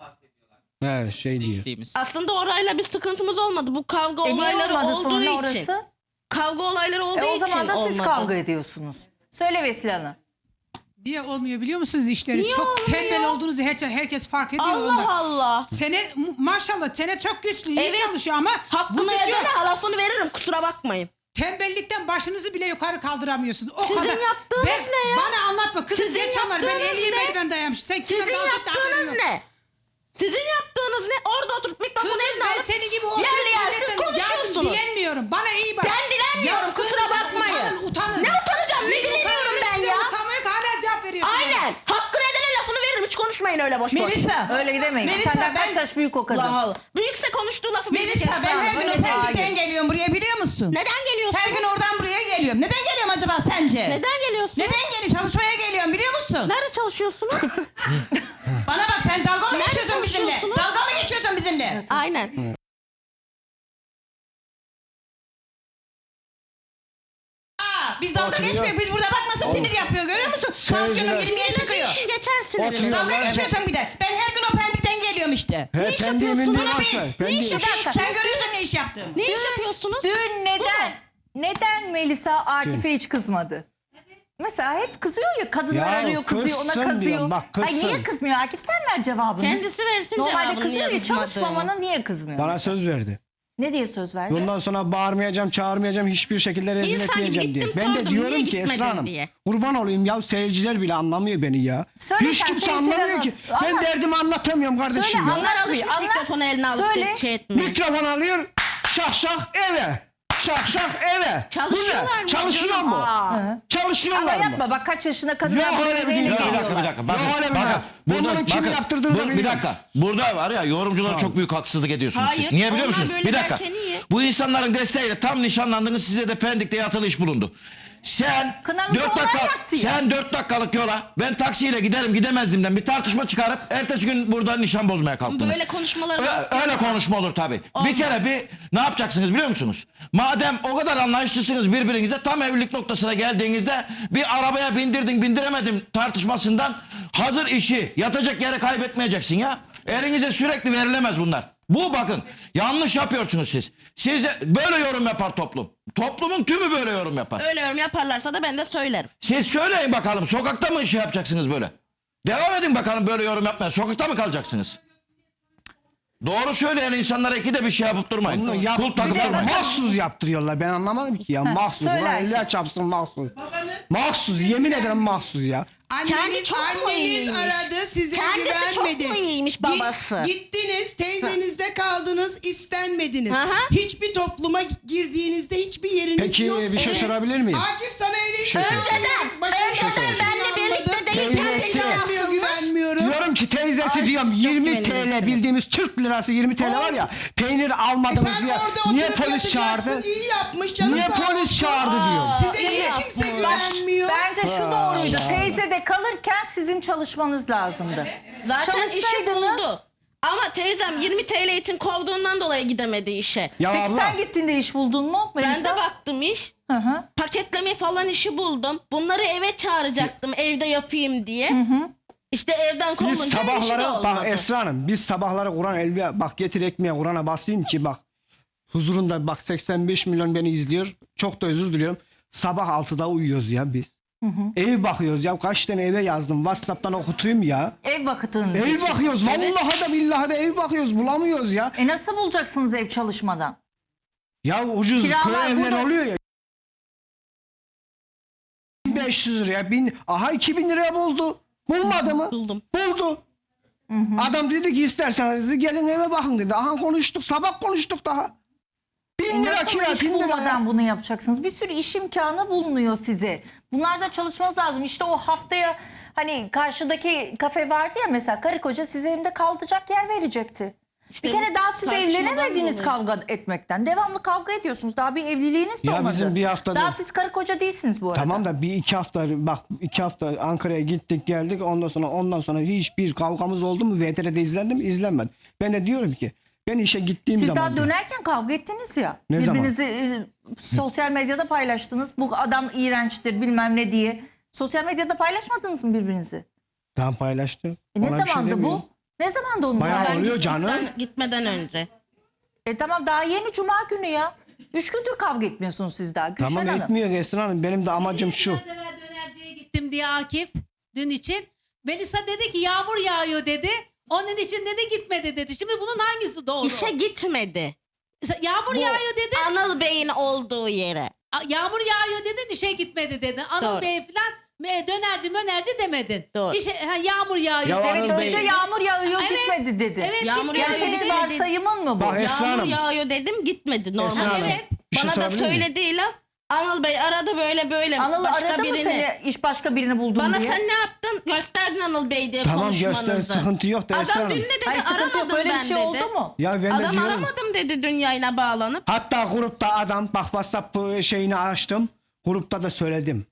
Speaker 5: He, şey diyor.
Speaker 9: Gittiğimiz.
Speaker 3: Aslında orayla bir sıkıntımız olmadı. Bu kavga
Speaker 2: Niye
Speaker 3: olayları
Speaker 2: olmadı
Speaker 3: olduğu
Speaker 2: sonra
Speaker 3: için.
Speaker 2: orası?
Speaker 3: Kavga olayları olduğu
Speaker 2: O
Speaker 3: için
Speaker 2: zaman da siz
Speaker 3: olmadı.
Speaker 2: kavga ediyorsunuz. Söyle Vesile Hanım.
Speaker 8: Niye olmuyor biliyor musunuz işleri?
Speaker 3: Niye
Speaker 8: çok
Speaker 3: olmuyor?
Speaker 8: tembel olduğunuzu herkes fark ediyor.
Speaker 3: Allah
Speaker 8: onda.
Speaker 3: Allah.
Speaker 8: Maşallah sene çok güçlü, iyi
Speaker 3: Evet.
Speaker 8: çalışıyor ama bu
Speaker 3: Hakkını
Speaker 8: tutuyor.
Speaker 3: edene lafını veririm, kusura bakmayın.
Speaker 8: Tembellikten başınızı bile yukarı kaldıramıyorsunuz. O
Speaker 3: Sizin
Speaker 8: kadar.
Speaker 3: yaptığınız ne ya?
Speaker 8: Bana anlatma kızım,
Speaker 3: Sizin
Speaker 8: geç onları. Ben
Speaker 3: yaptığınız
Speaker 8: 50
Speaker 3: ne?
Speaker 8: merdiven dayanmış. Sen kime
Speaker 3: Sizin
Speaker 8: dans et de haberin
Speaker 3: yaptığınız
Speaker 8: yok.
Speaker 3: ne? Sizin yaptığınız ne? Orada oturup mikrofonu
Speaker 8: Kızım
Speaker 3: eline
Speaker 8: ben
Speaker 3: alıp
Speaker 8: senin gibi
Speaker 3: yerli yersiz
Speaker 8: milletten yardım
Speaker 3: konuşuyorsunuz.
Speaker 8: dilenmiyorum. Bana iyi bak.
Speaker 3: Ben dilenmiyorum,
Speaker 8: Ya
Speaker 3: kusura
Speaker 8: kızım,
Speaker 3: bakmayın.
Speaker 8: Utanın.
Speaker 3: Ne utanacağım, ne
Speaker 8: Biz
Speaker 3: dileniyorum
Speaker 8: utanıyoruz,
Speaker 3: ben
Speaker 8: size
Speaker 3: ya?
Speaker 8: Utanmaya hala cevap veriyorsunuz.
Speaker 3: Aynen. Hakkını edene lafını veririm. Hiç konuşmayın öyle boş boş.
Speaker 6: Melisa.
Speaker 2: Öyle demeyin.
Speaker 6: Melisa,
Speaker 2: Senden
Speaker 6: ben-
Speaker 2: kaç yaş büyük o kadın?
Speaker 3: Allah Allah. Büyükse konuştuğu lafı bilecek
Speaker 6: Melisa ben
Speaker 3: Esra
Speaker 6: her
Speaker 3: Hanım,
Speaker 6: gün
Speaker 3: öyle değil.
Speaker 6: Pendik'ten geliyorum buraya, biliyor musun?
Speaker 3: Neden geliyorsun?
Speaker 6: Her gün oradan buraya geliyorum. Neden geliyorum acaba sence?
Speaker 3: Neden geliyorsun?
Speaker 6: Neden geliyorum? Çalışmaya geliyorum, biliyor musun?
Speaker 3: Nerede çalışıyorsunuz?
Speaker 6: Bana bak, sen dalga mı
Speaker 3: Nerede
Speaker 6: geçiyorsun bizimle?
Speaker 3: çalışıyorsunuz?
Speaker 6: Dalga mı geçiyorsun bizimle?
Speaker 3: Aynen.
Speaker 6: Biz dalga
Speaker 5: Oturuyor.
Speaker 6: geçmiyor. Biz burada bak nasıl sinir yapıyor, görüyor musun? Tansiyonum 20'ye çıkıyor.
Speaker 3: İşin geçer sinirini.
Speaker 5: Oturuyor.
Speaker 6: Dalga
Speaker 5: Evet.
Speaker 6: geçiyorsun bir de. Ben her gün o Pendik'ten geliyorum işte.
Speaker 5: He,
Speaker 3: iş
Speaker 5: pendiğimin
Speaker 3: yapıyorsun?
Speaker 5: diye
Speaker 6: Bana
Speaker 5: varsa,
Speaker 6: bir-
Speaker 3: Ne iş
Speaker 5: pendiği-
Speaker 3: yapıyorsun?
Speaker 6: Sen görüyorsun ne iş yaptım.
Speaker 3: Ne iş yapıyorsunuz?
Speaker 2: Dün neden Melisa Akif'e hiç kızmadı? Mesela hep kızıyor ya, kadınlar
Speaker 5: Ya
Speaker 2: arıyor, kızıyor, ona
Speaker 5: kızsın
Speaker 2: kızıyor.
Speaker 5: diyorum, bak,
Speaker 2: Ay
Speaker 5: kızsın.
Speaker 2: niye kızmıyor Akif, sen ver cevabını.
Speaker 3: Kendisi versin
Speaker 2: Normalde
Speaker 3: cevabını.
Speaker 2: kızıyor
Speaker 3: niye
Speaker 2: ya,
Speaker 3: kızmadığını.
Speaker 2: çalışmamana niye kızmıyor?
Speaker 5: Bana söz verdi.
Speaker 2: Ne diye söz verdi?
Speaker 5: Bundan sonra bağırmayacağım, çağırmayacağım, hiçbir şekilde rezil
Speaker 3: İnsan gibi
Speaker 5: etmeyeceğim diye.
Speaker 3: gittim,
Speaker 5: Ben de
Speaker 3: sordum, niye
Speaker 5: diyorum ki
Speaker 3: gitmedin
Speaker 5: Esra Hanım,
Speaker 3: diye.
Speaker 5: kurban olayım ya, seyirciler bile anlamıyor beni ya.
Speaker 2: Söyle
Speaker 5: Hiç
Speaker 2: sen,
Speaker 5: kimse
Speaker 2: seyirciler
Speaker 5: anlamıyor ki.
Speaker 2: anlat.
Speaker 5: Ben
Speaker 2: Anlat.
Speaker 5: derdimi anlatamıyorum kardeşim
Speaker 2: Söyle,
Speaker 5: ya.
Speaker 2: anlat.
Speaker 3: Onlar alışmış
Speaker 2: Anlat.
Speaker 3: mikrofonu eline alıp
Speaker 2: Söyle.
Speaker 3: şey etmeye.
Speaker 5: Mikrofon alıyor, şah şah eve. şak şak eve.
Speaker 3: Çalışıyorlar
Speaker 5: Bu ne?
Speaker 3: mı
Speaker 5: Çalışıyor
Speaker 3: canım?
Speaker 5: mu?
Speaker 2: Ama
Speaker 5: Çalışıyorlar mı?
Speaker 2: yapma bak kaç yaşında kadınlar
Speaker 5: Yok,
Speaker 2: bu
Speaker 5: öyle
Speaker 2: eve
Speaker 5: bir
Speaker 2: neyle
Speaker 5: dünya.
Speaker 7: Bir dakika, bir
Speaker 2: geliyorlar.
Speaker 7: dakika. Bakın,
Speaker 5: Yok, öyle bir
Speaker 7: bakın.
Speaker 5: dakika. Ben
Speaker 7: Burada,
Speaker 5: bunu kimin
Speaker 7: bakın,
Speaker 5: yaptırdığını da
Speaker 7: bir
Speaker 5: biliyorum.
Speaker 7: dakika. Burada var ya yorumcular çok büyük haksızlık ediyorsunuz
Speaker 3: Hayır,
Speaker 7: siz. Niye biliyor
Speaker 3: onlar
Speaker 7: musunuz?
Speaker 3: böyle
Speaker 7: Bir dakika.
Speaker 3: derken iyi.
Speaker 7: Bu insanların desteğiyle tam nişanlandınız, size de Pendik'te yatılı iş bulundu. Sen
Speaker 2: Kınamızı
Speaker 7: 4
Speaker 2: onlar
Speaker 7: dakika,
Speaker 2: yaptı ya.
Speaker 7: sen 4 dakikalık yola ben taksiyle giderim gidemezdiğimden bir tartışma çıkarıp ertesi gün burada nişan bozmaya kalktınız.
Speaker 3: Böyle konuşmaları
Speaker 7: Öyle konuşma olur tabii. Bir kere ne yapacaksınız biliyor musunuz? Madem o kadar anlayışlısınız birbirinize, tam evlilik noktasına geldiğinizde bir arabaya bindiremedim tartışmasından hazır işi yatacak yere kaybetmeyeceksin ya. Elinize sürekli verilemez bunlar. Bu bakın yanlış yapıyorsunuz siz. Siz böyle yorum yapar toplum. Toplumun tümü böyle yorum yapar.
Speaker 3: öyle yorum yaparlarsa da ben de söylerim.
Speaker 7: Siz söyleyin bakalım, sokakta mı şey yapacaksınız böyle? Devam edin bakalım böyle yorum yapmaya. Sokakta mı kalacaksınız? Doğru söyleyen insanlara ikide bir şey yapıp durmayın.
Speaker 5: Bunu yap,
Speaker 7: Kul takıp durmayın.
Speaker 5: mahsus yaptırıyorlar. Ben anlamadım ki ya. Mahsus.
Speaker 2: söyle
Speaker 5: Ulan
Speaker 2: Ayşe.
Speaker 5: eller çarpsın mahsus. Mahsus. Yemin ederim mahsus ya.
Speaker 6: Anneniz,
Speaker 3: çok mu
Speaker 6: anneniz
Speaker 3: iyiymiş?
Speaker 6: aradı, size
Speaker 3: Kendisi çok
Speaker 6: güvenmedi.
Speaker 3: mu iyiymiş babası?
Speaker 6: Gittiniz, teyzenizde kaldınız, istenmediniz.
Speaker 3: Aha.
Speaker 6: Hiçbir topluma girdiğinizde hiçbir yeriniz
Speaker 5: Peki
Speaker 6: yok.
Speaker 5: bir şey sorabilir miyim?
Speaker 6: Akif sana öyle
Speaker 5: şey
Speaker 3: Önceden benle birlikte değil,
Speaker 5: Teyzesi.
Speaker 6: güvenmiyor, güvenmiyorum.
Speaker 5: Diyorum ki teyzesi
Speaker 3: Ay,
Speaker 5: diyorum
Speaker 3: çok
Speaker 5: 20
Speaker 3: güvenilmişsiniz.
Speaker 5: TL bildiğimiz Türk lirası 20 TL var ya peynir almadınız
Speaker 6: Sen
Speaker 5: diye.
Speaker 6: orada
Speaker 5: Niye
Speaker 6: oturup
Speaker 5: polis çağırdı?
Speaker 6: yatacaksın, iyi yapmış canım
Speaker 5: Niye
Speaker 6: sağ
Speaker 5: polis
Speaker 6: olsun.
Speaker 5: çağırdı diyor.
Speaker 6: Size niye kimse güvenmiyor?
Speaker 2: Bence şu doğruydu. Teyzede kalırken sizin çalışmanız lazımdı.
Speaker 3: Zaten işi
Speaker 2: Çalışsaydınız-
Speaker 3: buldu. Ama teyzem 20 TL için kovduğundan dolayı gidemedi işe.
Speaker 5: Ya
Speaker 2: Peki
Speaker 5: abla,
Speaker 2: sen gittiğinde iş buldun mu Melisa?
Speaker 3: Ben de baktım iş.
Speaker 2: Hı hı.
Speaker 3: Paketleme falan işi buldum. Bunları eve çağıracaktım evde yapayım diye. İşte evden
Speaker 5: biz
Speaker 3: kovulunca işi de
Speaker 5: sabahları
Speaker 3: olmadı.
Speaker 5: bak Esra Hanım biz sabahları Kur'an elbiye bak getir ekmeğe Kur'an'a basayım ki bak huzurunda bak 85 milyon beni izliyor. Çok da özür diliyorum. Sabah 6'da uyuyoruz ya biz. Ev bakıyoruz ya kaç tane eve yazdım WhatsApp'tan okutayım ya.
Speaker 2: Ev bakıtığınız
Speaker 5: Ev
Speaker 2: için.
Speaker 5: bakıyoruz vallahi da billahi de ev bakıyoruz bulamıyoruz ya.
Speaker 2: Nasıl bulacaksınız ev çalışmadan?
Speaker 5: Ya ucuz
Speaker 2: Kiralar
Speaker 5: köy evleri
Speaker 2: burada-
Speaker 5: oluyor ya. 1500 liraya 2000 liraya buldu. Bulmadı mı?
Speaker 3: Buldum.
Speaker 5: Buldu. Adam dedi ki isterseniz dedi, gelin eve bakın dedi. Aha konuştuk sabah konuştuk daha. 1000 lira
Speaker 2: Nasıl
Speaker 5: kira
Speaker 2: iş
Speaker 5: 1000 lira.
Speaker 2: bulmadan bunu yapacaksınız? Bir sürü iş imkanı bulunuyor size. Bunlarda çalışmanız lazım. İşte o haftaya hani karşıdaki kafe vardı ya mesela karı koca size evinde kalacak yer verecekti.
Speaker 3: İşte
Speaker 2: bir kere
Speaker 3: bu
Speaker 2: daha siz
Speaker 3: tartışmadan
Speaker 2: evlenemediniz
Speaker 3: dolayı.
Speaker 2: kavga etmekten. Devamlı kavga ediyorsunuz. Daha bir evliliğiniz de
Speaker 5: Ya
Speaker 2: olmadı.
Speaker 5: bizim bir haftada-
Speaker 2: Daha siz karı koca değilsiniz bu arada.
Speaker 5: Tamam da bir iki hafta bak 2 hafta Ankara'ya gittik geldik ondan sonra hiçbir kavgamız oldu mu VTR'de izlendi mi izlenmedi. Ben de diyorum ki ben işe gittiğim
Speaker 2: Siz
Speaker 5: zaman
Speaker 2: daha dönerken kavga ettiniz ya.
Speaker 5: Ne zaman?
Speaker 2: Birbirinizi sosyal medyada paylaştınız. Bu adam iğrençtir bilmem ne diye. Sosyal medyada paylaşmadınız mı birbirinizi?
Speaker 5: tam paylaştım.
Speaker 2: Ne
Speaker 5: Ona bir şey
Speaker 2: zamandı
Speaker 5: demiyorum.
Speaker 2: bu? Ne zamandı onun
Speaker 5: Bayağı
Speaker 2: tarihi?
Speaker 5: oluyor canım.
Speaker 3: Gitmeden önce.
Speaker 2: Tamam daha yeni cuma günü ya. 3 gündür kavga etmiyorsunuz siz daha Gülşen
Speaker 5: Tamam
Speaker 2: Hanım.
Speaker 5: etmiyor Esra Hanım. Benim de amacım şu.
Speaker 10: Biraz evvel dönerciye gittim diye Akif dün için. Melisa dedi ki yağmur yağıyor dedi. Onun için dedi gitmedi dedi. Şimdi bunun hangisi doğru?
Speaker 3: İşe gitmedi.
Speaker 10: Yağmur
Speaker 3: Bu
Speaker 10: yağıyor dedi.
Speaker 3: Anıl Bey'in olduğu yere.
Speaker 10: Yağmur yağıyor dedin işe gitmedi dedin. Anıl
Speaker 3: Doğru.
Speaker 10: Bey falan dönerci demedin.
Speaker 3: Doğru.
Speaker 10: Yağmur yağıyor
Speaker 5: Ya
Speaker 10: dedin.
Speaker 2: Evet
Speaker 5: Anıl Bey-
Speaker 2: önce yağmur yağıyor
Speaker 10: Evet.
Speaker 2: gitmedi dedi.
Speaker 10: Evet
Speaker 3: Yağmur
Speaker 10: gitmedi
Speaker 2: Yani
Speaker 3: yağıyor
Speaker 2: senin
Speaker 3: dedi.
Speaker 2: varsayımın mı bu?
Speaker 5: Bak Esra
Speaker 3: Yağmur
Speaker 5: Hanım.
Speaker 3: yağıyor dedim gitmedi normal.
Speaker 5: Esra Hanım,
Speaker 10: Evet.
Speaker 5: bir şey
Speaker 3: Bana da
Speaker 5: sorabilir miyim?
Speaker 3: söylediği laf Anıl Bey aradı böyle
Speaker 2: Anıl
Speaker 3: başka
Speaker 2: aradı mı
Speaker 3: birini.
Speaker 2: seni iş başka birini buldun
Speaker 3: Bana
Speaker 2: diye?
Speaker 3: sen ne yaptın? Gösterdin Anıl Bey diye
Speaker 5: Tamam
Speaker 3: konuşmanızı.
Speaker 5: göster sıkıntı yok da Esra
Speaker 3: Adam
Speaker 5: Hanım.
Speaker 3: dün ne dedi?
Speaker 2: Hayır sıkıntı yok
Speaker 3: Aramadım
Speaker 2: böyle bir
Speaker 3: ben
Speaker 2: şey
Speaker 3: dedi.
Speaker 2: oldu mu?
Speaker 5: Ya ben de
Speaker 3: Adam
Speaker 5: diyorum.
Speaker 3: aramadım dedi dün yayına bağlanıp.
Speaker 5: Hatta grupta adam bak WhatsApp şeyini açtım. Grupta da söyledim.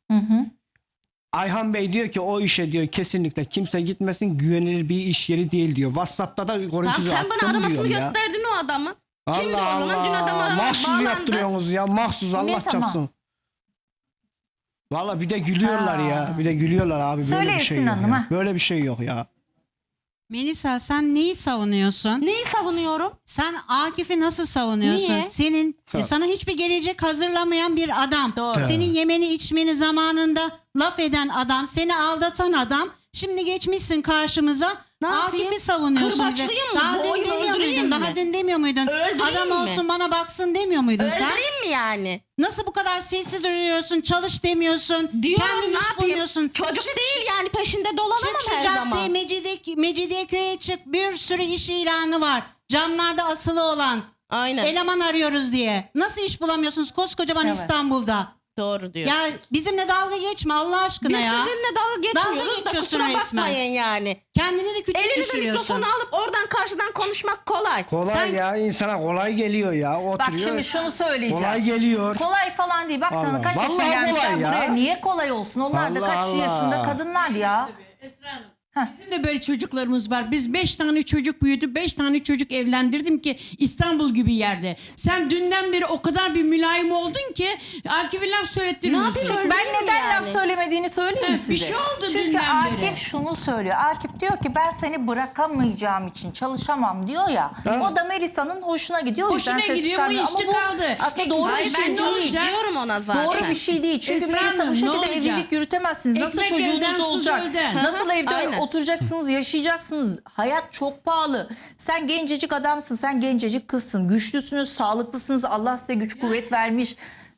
Speaker 5: Ayhan Bey diyor ki o işe diyor kesinlikle kimse gitmesin güvenilir bir iş yeri değil diyor. WhatsApp'ta da
Speaker 3: Tamam
Speaker 5: görüntüsü
Speaker 3: sen bana
Speaker 5: attım
Speaker 3: aramasını
Speaker 5: diyorum ya.
Speaker 3: gösterdin o adamı. Kimdi
Speaker 5: Allah
Speaker 3: o zaman? Dün adam
Speaker 5: Allah.
Speaker 3: aramaya
Speaker 5: Mahsus
Speaker 3: bağlandı.
Speaker 5: yaptırıyorsunuz ya. Mahsus Allah
Speaker 2: zaman?
Speaker 5: çapsın. Valla bir de gülüyorlar ya. Bir de gülüyorlar abi. Böyle
Speaker 2: Söyle
Speaker 5: bir şey
Speaker 2: Esin
Speaker 5: yok
Speaker 2: Hanım,
Speaker 5: ya.
Speaker 2: ha.
Speaker 5: Böyle bir şey yok ya.
Speaker 11: Melisa sen neyi savunuyorsun?
Speaker 3: Neyi savunuyorum?
Speaker 11: Sen Akif'i nasıl savunuyorsun?
Speaker 3: Niye?
Speaker 11: Senin sana hiçbir gelecek hazırlamayan bir adam.
Speaker 3: Doğru.
Speaker 11: Senin yemeni içmeni zamanında laf eden adam, seni aldatan adam. Şimdi geçmişsin karşımıza.
Speaker 3: Ne yapayım?
Speaker 11: Akif'i savunuyorsun bize.
Speaker 3: Kırbaçlayayım mı?
Speaker 11: Daha dün
Speaker 3: Boyumu
Speaker 11: demiyor
Speaker 3: öldüreyim
Speaker 11: muydun?
Speaker 3: mi?
Speaker 11: Daha dün demiyor muydun?
Speaker 3: Öldüreyim
Speaker 11: Adam
Speaker 3: mi?
Speaker 11: olsun bana baksın demiyor muydun sen?
Speaker 3: Öldüreyim mi yani?
Speaker 11: Nasıl bu kadar sessiz duruyorsun? Çalış demiyorsun.
Speaker 3: Diyorum
Speaker 11: Kendin
Speaker 3: ne
Speaker 11: iş
Speaker 3: yapayım?
Speaker 11: bulmuyorsun.
Speaker 3: Çocuk
Speaker 11: Çık
Speaker 3: değil yani peşinde
Speaker 11: Çık
Speaker 3: dolanamam
Speaker 11: şu
Speaker 3: her zaman.
Speaker 11: caddeye Mecidiyeköy'e çık. Bir sürü iş ilanı var. Camlarda asılı olan.
Speaker 3: Aynen.
Speaker 11: Eleman arıyoruz diye. Nasıl iş bulamıyorsunuz koskocaman
Speaker 2: Evet.
Speaker 11: İstanbul'da?
Speaker 3: Doğru diyor.
Speaker 11: Ya bizimle dalga geçme Allah aşkına
Speaker 3: Biz
Speaker 11: ya.
Speaker 3: sizinle dalga geçmiyoruz
Speaker 11: Dalga
Speaker 3: da
Speaker 11: geçiyorsun
Speaker 3: kusura
Speaker 11: resmen.
Speaker 3: bakmayın yani.
Speaker 11: Kendini de küçük
Speaker 3: Elinize
Speaker 11: düşürüyorsun.
Speaker 3: mikrofonu alıp oradan karşıdan konuşmak kolay.
Speaker 5: Kolay
Speaker 11: Sen-
Speaker 5: ya, insana kolay geliyor ya. Oturuyor.
Speaker 2: Bak şimdi şunu söyleyeceğim.
Speaker 5: Kolay geliyor.
Speaker 2: Kolay falan değil. Bak sana
Speaker 5: Allah.
Speaker 2: kaç yaşına
Speaker 5: Vallahi
Speaker 2: gelmişler
Speaker 5: kolay ya.
Speaker 2: buraya. Niye kolay olsun? Onlar da
Speaker 5: Allah
Speaker 2: kaç
Speaker 5: Allah.
Speaker 2: yaşında kadınlar ya.
Speaker 8: Bizim de böyle çocuklarımız var. Biz 5 tane çocuk büyüdü, 5 tane çocuk evlendirdim ki İstanbul gibi yerde. Sen dünden beri o kadar bir mülayim oldun ki Akif'e laf söylettirmiyorsun.
Speaker 3: yapayım?
Speaker 2: Ben neden
Speaker 3: yani.
Speaker 2: laf söylemediğini söyleyeyim mi
Speaker 8: Evet,
Speaker 2: size?
Speaker 8: bir şey oldu
Speaker 2: Çünkü
Speaker 8: dünden
Speaker 2: Akif
Speaker 8: beri.
Speaker 2: şunu söylüyor. Akif diyor ki ben seni bırakamayacağım için çalışamam diyor ya. O da Melisa'nın hoşuna gidiyor. O yüzden
Speaker 8: Hoşuna
Speaker 2: ses
Speaker 8: gidiyor, bu
Speaker 2: çıkarmıyor.
Speaker 8: işte
Speaker 2: Ama
Speaker 8: kaldı.
Speaker 2: aslında doğru
Speaker 3: Hayır,
Speaker 2: bir
Speaker 3: ben
Speaker 2: şey
Speaker 3: de
Speaker 2: değil.
Speaker 3: onu diyorum ona zaten.
Speaker 2: Doğru bir şey değil. Çünkü
Speaker 8: Esra
Speaker 2: Melisa bu
Speaker 8: Hanım, ne
Speaker 2: şekilde
Speaker 8: olacak?
Speaker 2: evlilik yürütemezsiniz. Nasıl
Speaker 8: Ekmek elden,
Speaker 2: çocuğunuz
Speaker 8: su
Speaker 2: olacak?
Speaker 8: gölden.
Speaker 2: Nasıl evde
Speaker 3: Aynen.
Speaker 2: oturacaksınız, yaşayacaksınız? Hayat çok pahalı. Sen gencecik adamsın, sen gencecik kızsın. Güçlüsünüz, sağlıklısınız. Allah size güç kuvvet vermiş.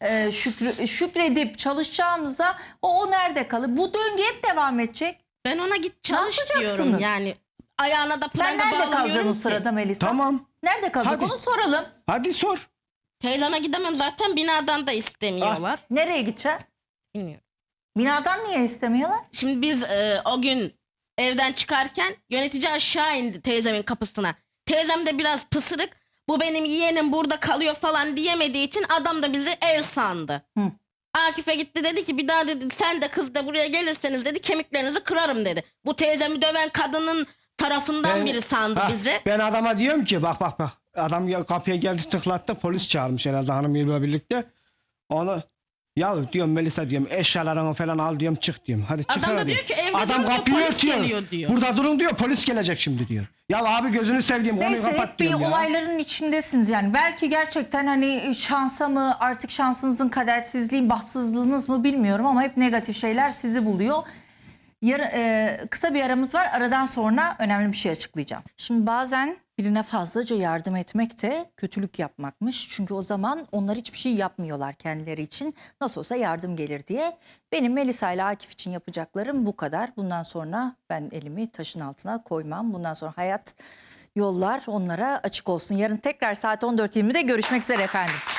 Speaker 2: Şükredip çalışacağınıza o nerede kalır? Bu döngü hep devam edecek.
Speaker 3: Ben ona git
Speaker 2: Ne
Speaker 3: çalış
Speaker 2: yapacaksınız?
Speaker 3: diyorum yani. Ayağına da
Speaker 2: Sen
Speaker 3: pranga
Speaker 2: nerede kalacaksın
Speaker 3: bağlamıyorum
Speaker 2: o
Speaker 3: ki.
Speaker 2: sırada Melisa?
Speaker 5: Tamam.
Speaker 2: Nerede kalacak
Speaker 5: Hadi.
Speaker 2: onu soralım.
Speaker 5: Hadi sor.
Speaker 3: Teyzeme gidemem zaten binadan da istemiyorlar.
Speaker 2: Nereye gideceksin?
Speaker 3: Bilmiyorum.
Speaker 2: Binadan niye istemiyorlar?
Speaker 3: Şimdi biz o gün evden çıkarken yönetici aşağı indi teyzemin kapısına. Teyzem de biraz pısırık. Bu benim yeğenim burada kalıyor falan diyemediği için adam da bizi ev sandı. Akif'e gitti dedi ki bir daha dedi sen de kız da buraya gelirseniz dedi kemiklerinizi kırarım dedi. Bu teyzemi döven kadının tarafından biri sandı bizi.
Speaker 5: Ben adama diyorum ki bak. Adam kapıya geldi, tıklattı, polis çağırmış herhalde hanımıyla birlikte. Onu ya diyorum Melisa diyorum eşyalarını falan al diyorum, çık diyorum. Hadi çıkar
Speaker 3: Adam da
Speaker 5: diyor.
Speaker 3: diyor ki, evde
Speaker 5: Adam
Speaker 3: durun diyor,
Speaker 5: kapıyı
Speaker 3: polis
Speaker 5: örtüyor.
Speaker 3: geliyor diyor.
Speaker 5: Burada durun diyor, polis gelecek şimdi diyor. Ya abi gözünü sevdiğim konuyu
Speaker 2: Neyse
Speaker 5: kapat
Speaker 2: hep bir
Speaker 5: diyorum ya.
Speaker 2: olayların içindesiniz yani. Belki gerçekten hani şansa mı artık şansınızın kadersizliğin bahtsızlığınız mı bilmiyorum ama hep negatif şeyler sizi buluyor. Kısa bir aramız var. Aradan sonra önemli bir şey açıklayacağım. Şimdi bazen birine fazlaca yardım etmek de kötülük yapmakmış. Çünkü o zaman onlar hiçbir şey yapmıyorlar kendileri için. Nasıl olsa yardım gelir diye. Benim Melisa ile Akif için yapacaklarım bu kadar. Bundan sonra ben elimi taşın altına koymam. Bundan sonra hayat yollar onlara açık olsun. Yarın tekrar saat 14.20'de görüşmek üzere efendim.